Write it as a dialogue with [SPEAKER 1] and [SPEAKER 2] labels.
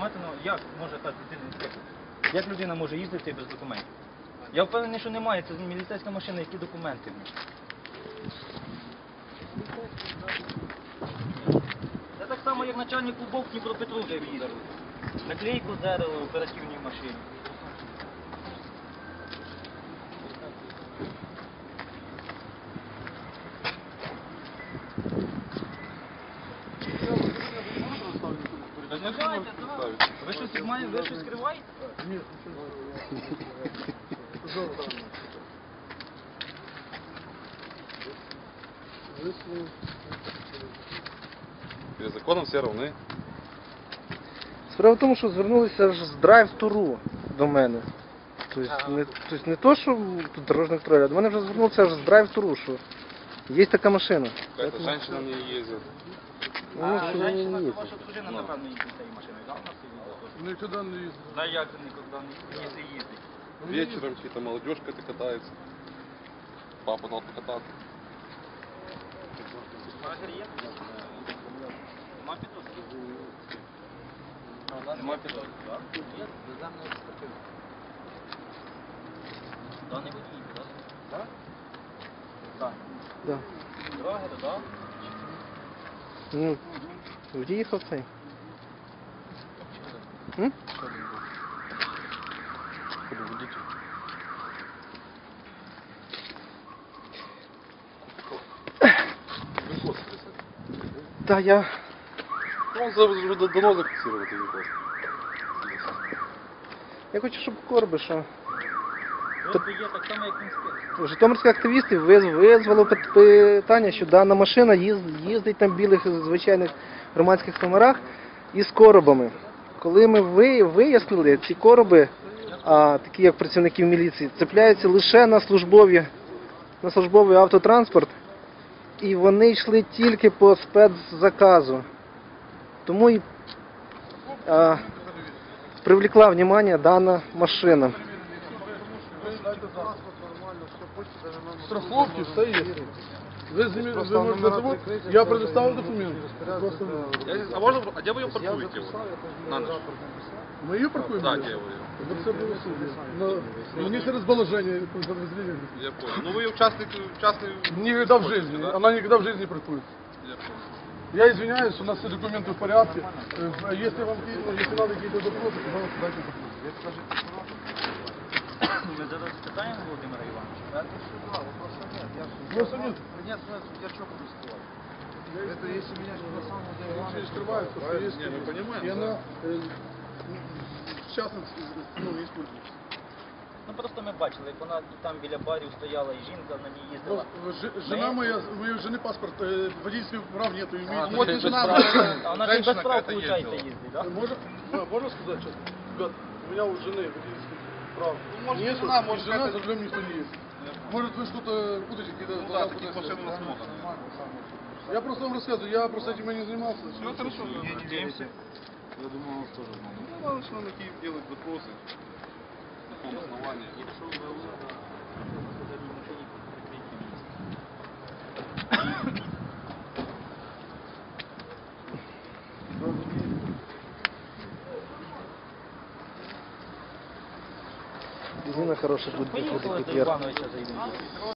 [SPEAKER 1] документи, ну як може так інспектор? Як людина може їздити без документів? Я впевнений, що немає, це міліцейська машина, які документи. Це так само, як начальник клубов Дніпропетровська їздив. Наклейку зерили в оперативній машині. Ви щось маєте, ви щось скриваєте?
[SPEAKER 2] Ні,
[SPEAKER 3] Перед законом все равны.
[SPEAKER 2] справа в тому, що звернулися аж з драйв-туру до мене. Тобто не то, що тут дорожник контроль, а до мене вже звернувся аж з драйв-туру, що є така машина.
[SPEAKER 3] Какая-то женщина не ездит.
[SPEAKER 2] Ну, що не
[SPEAKER 1] Женщина, це
[SPEAKER 2] їздить.
[SPEAKER 1] ваша дружина, напевно, їздить цією машиною, так?
[SPEAKER 2] Ніколи не їздить.
[SPEAKER 1] Да як же ніколи не їздить?
[SPEAKER 3] Вечером какие-то молодежка катается. Папа дал покататься.
[SPEAKER 1] Магазин є? Нема підозри? Нема підозри, так? Є, державний експертиз. Даний водій, так? Так? Так.
[SPEAKER 2] Да.
[SPEAKER 1] Драгер, так?
[SPEAKER 2] Ну, в'їхав цей. М? Да, я...
[SPEAKER 3] Ну, он уже давно зафиксировал этот вопрос.
[SPEAKER 2] Я хочу, щоб Корби, що
[SPEAKER 1] Тобто є так само, як інспектор.
[SPEAKER 2] житомирські активісти визвали питання, що дана машина їздить на білих звичайних громадських номерах із коробами. Коли ми вияснили, ці короби, такі як працівників міліції, цепляються лише на службовий автотранспорт, і вони йшли тільки по спецзаказу. Тому і привлекла увагу дана машина.
[SPEAKER 4] Страховки, все є. Ви можете забути, я предоставив документи.
[SPEAKER 3] А где вы ее паркуете? На ночь?
[SPEAKER 4] Ми її паркуємо?
[SPEAKER 3] Да, где вы ее?
[SPEAKER 4] Це все було суді. Мені через положення подразделения.
[SPEAKER 3] Я понял. Ну вы ее частный...
[SPEAKER 4] Никогда в жизни.
[SPEAKER 3] Да?
[SPEAKER 4] Она никогда в жизни не паркуется.
[SPEAKER 3] Я понял.
[SPEAKER 4] Я извиняюсь, у нас все документы в порядке. Если вам если надо какие-то вопросы, пожалуйста, дайте вопрос.
[SPEAKER 1] Ми зараз питаємо Володимира Івановича.
[SPEAKER 4] Вопросов нет.
[SPEAKER 5] Нет, я что буду скрывать? Это если меня на самом деле
[SPEAKER 4] Ничего не скрывается, что есть.
[SPEAKER 3] Не, мы понимаем,
[SPEAKER 4] И
[SPEAKER 3] да.
[SPEAKER 4] она в частности используется.
[SPEAKER 1] Ну просто ми бачили, як вона і там біля барів стояла, і жінка на ній їздила.
[SPEAKER 4] Жена моя, у ее жены паспорт, водительских прав нету.
[SPEAKER 3] ну,
[SPEAKER 4] Вот
[SPEAKER 3] без
[SPEAKER 4] и жена
[SPEAKER 3] прав.
[SPEAKER 4] моя.
[SPEAKER 1] А вона ж і без
[SPEAKER 3] Женщина
[SPEAKER 1] прав,
[SPEAKER 3] какая-то
[SPEAKER 1] виходить,
[SPEAKER 3] ездила.
[SPEAKER 1] їздить, так?
[SPEAKER 4] Можно сказать сейчас? Ребят, у меня у жены водительских прав
[SPEAKER 3] может,
[SPEAKER 4] нету,
[SPEAKER 3] жена,
[SPEAKER 4] и
[SPEAKER 3] может,
[SPEAKER 4] жена
[SPEAKER 3] какая-то-
[SPEAKER 4] за рулем никто не ездит. Может вы что-то путаете, какие-то...
[SPEAKER 3] Ну да, таких машин у нас много.
[SPEAKER 4] Я просто вам рассказываю, я просто этим и не занимался.
[SPEAKER 3] Ну хорошо,
[SPEAKER 1] Не надеемся.
[SPEAKER 3] Я думаю, он тоже знал. Ну надо что на Киев делать вопросы. На каком основании.
[SPEAKER 1] Якщо ви
[SPEAKER 2] Резина хороша, буде
[SPEAKER 1] поїхали
[SPEAKER 2] підходити
[SPEAKER 1] до
[SPEAKER 2] під
[SPEAKER 1] Івановича заїдемо.